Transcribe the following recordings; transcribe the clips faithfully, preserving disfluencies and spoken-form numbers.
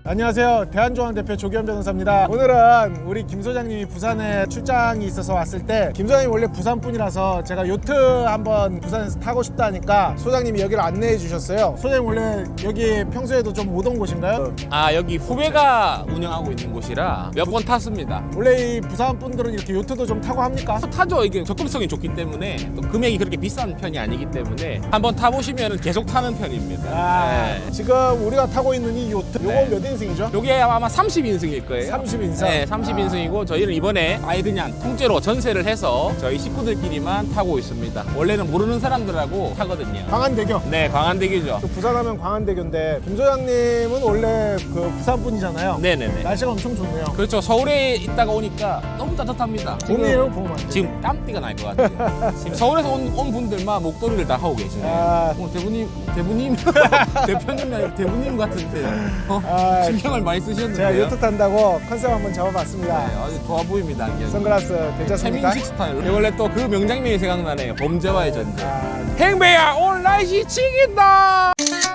안녕하세요. 대한조항 대표 조기현 변호사입니다. 오늘은 우리 김 소장님이 부산에 출장이 있어서 왔을 때 김 소장님이 원래 부산 분이라서 제가 요트 한번 부산에서 타고 싶다 하니까 소장님이 여기를 안내해 주셨어요. 소장님 원래 여기 평소에도 좀 오던 곳인가요? 아, 여기 후배가 운영하고 있는 곳이라 몇 번 탔습니다. 원래 이 부산 분들은 이렇게 요트도 좀 타고 합니까? 타죠. 이게 접근성이 좋기 때문에 또 금액이 그렇게 비싼 편이 아니기 때문에 한번 타보시면 계속 타는 편입니다. 아, 네. 지금 우리가 타고 있는 이 요트 요거 네. 몇 인승이죠? 요게 아마 삼십 인승일 거예요. 삼십 인승? 네, 삼십 인승이고 저희는 이번에 아예 그냥 통째로 전세를 해서 저희 식구들끼리만 타고 있습니다. 원래는 모르는 사람들하고 타거든요. 광안대교. 네, 광안대교죠. 또 부산하면 광안대교인데 김 소장님은 원래 그 부산 분이잖아요. 네네네. 날씨가 엄청 좋네요. 그렇죠. 서울에 있다가 오니까 너무 따뜻합니다. 봄이에요, 봄? 지금 땀띠가 날 것 같아요. 지금 서울에서 온, 온 분들만 목도리를 다 하고 계시네요. 아. 오늘 대부님, 대부님, 대표님이 아니라 대부님 같은데 어? 아, 신경을 많이 쓰셨는데요. 제가 요트 탄다고 컨셉 한번 잡아봤습니다. 네, 아주 좋아 보입니다. 이게. 선글라스 괜찮습니까? 최민식 스타일. 원래 또 그 명장면이 생각나네요. 범죄와의 전쟁. 아, 행배야, 오늘 날씨 치긴다.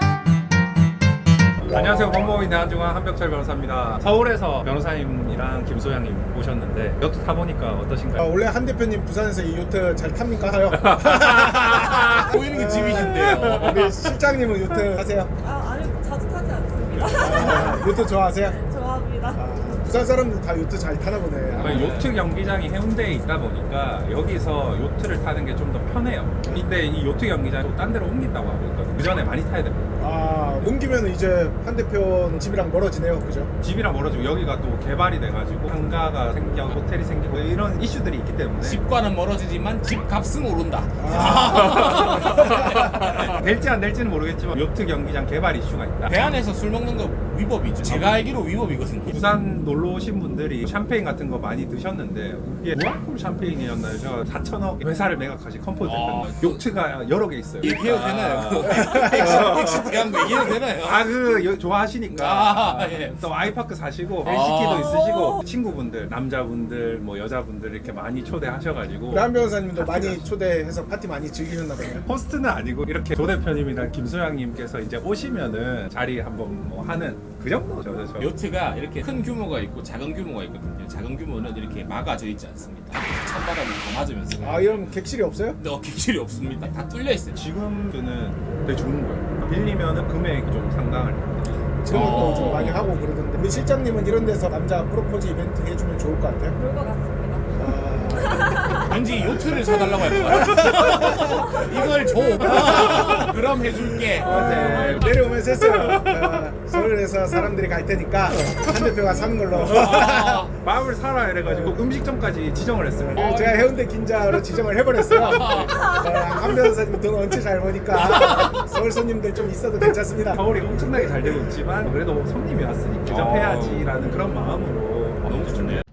안녕하세요. 법무법인 대한중앙 한벽철 변호사입니다. 서울에서 변호사님이랑 김소장님 오셨는데 요트 타보니까 아, 어떠신가요? 원래 한 대표님 부산에서 이 요트 잘 탑니까? 하요. 보이는 게 집이신데요. 우리 실장님은 요트 하세요? 아, 아니 자주 타지 않습니다. 아, 요트 좋아하세요? 좋아합니다. 아, 부산 사람들 다 요트 잘 타나 보네. 저희 요트 경기장이 해운대에 있다 보니까 여기서 요트를 타는 게 좀 더 편해요. 근데 이 요트 경기장이 또 딴 데로 옮긴다고 하고 있거든요. 그 전에 많이 타야 됩니다. 아, 옮기면 이제 한 대표 집이랑 멀어지네요, 그죠? 집이랑 멀어지고 여기가 또 개발이 돼가지고 상가가 생겨 호텔이 생기고 이런 이슈들이 있기 때문에 집과는 멀어지지만 집 값은 오른다. 될지 안 될지는 모르겠지만 요트 경기장 개발 이슈가 있다. 대안에서 술 먹는 거 위법이죠. 제가 알기로 위법이거든요. 부산 놀러 오신 분들이 샴페인 같은 거 많이 드셨는데 이게 무알콜 샴페인이었나요? 제가 사천억 회사를 매각하신 컴포즈 아, 요트가 여러 개 있어요. 얘기해도 아. 되나요? 엑시 대한 거 얘기해도 되나요? 아, 그 좋아하시니까 아, 예. 또 아이파크 사시고 아. 엘시티도 있으시고 친구분들, 남자분들, 뭐 여자분들 이렇게 많이 초대하셔가지고 우리 한 변호사님도 많이 초대해서 파티 많이 즐기셨나 보네요. 호스트는 아니고 이렇게 조 대표님이랑 김소장님께서 이제 오시면은 자리 한번 뭐 하는 그 정도죠. 저, 저. 요트가 이렇게 큰 규모가 있고 작은 규모가 있거든요. 작은 규모는 이렇게 막아져 있지 않습니다. 찬바람이 더 맞으면서. 아, 이런 객실이 없어요? 근데 어, 객실이 없습니다. 다 뚫려 있어요. 지금은 되게 좋은 거예요. 빌리면은 금액이 좀 상당할 거예요. 지금은 어. 또 좀 많이 하고 그러던데 우리 실장님은 이런 데서 남자 프로포즈 이벤트 해주면 좋을 것 같아요. 그럴 것 같습니다. 아, 왠지 요트를 사달라고 할 것 같아. 이걸 줘. 그럼 해줄게. 네, 내려오면서 했어요. 아, 서울에서 사람들이 갈 테니까 한 대표가 사는 걸로. 아, 마음을 사라 이래가지고 음식점까지 지정을 했어요. 그리고 제가 해운대 긴자로 지정을 해버렸어요. 아, 한 변호사님 돈 엄청 잘 버니까 서울 손님들 좀 있어도 괜찮습니다. 서울이 엄청나게 잘 되고 있지만 그래도 손님이 왔으니 대접해야지라는 그런 마음으로 너무 좋네요.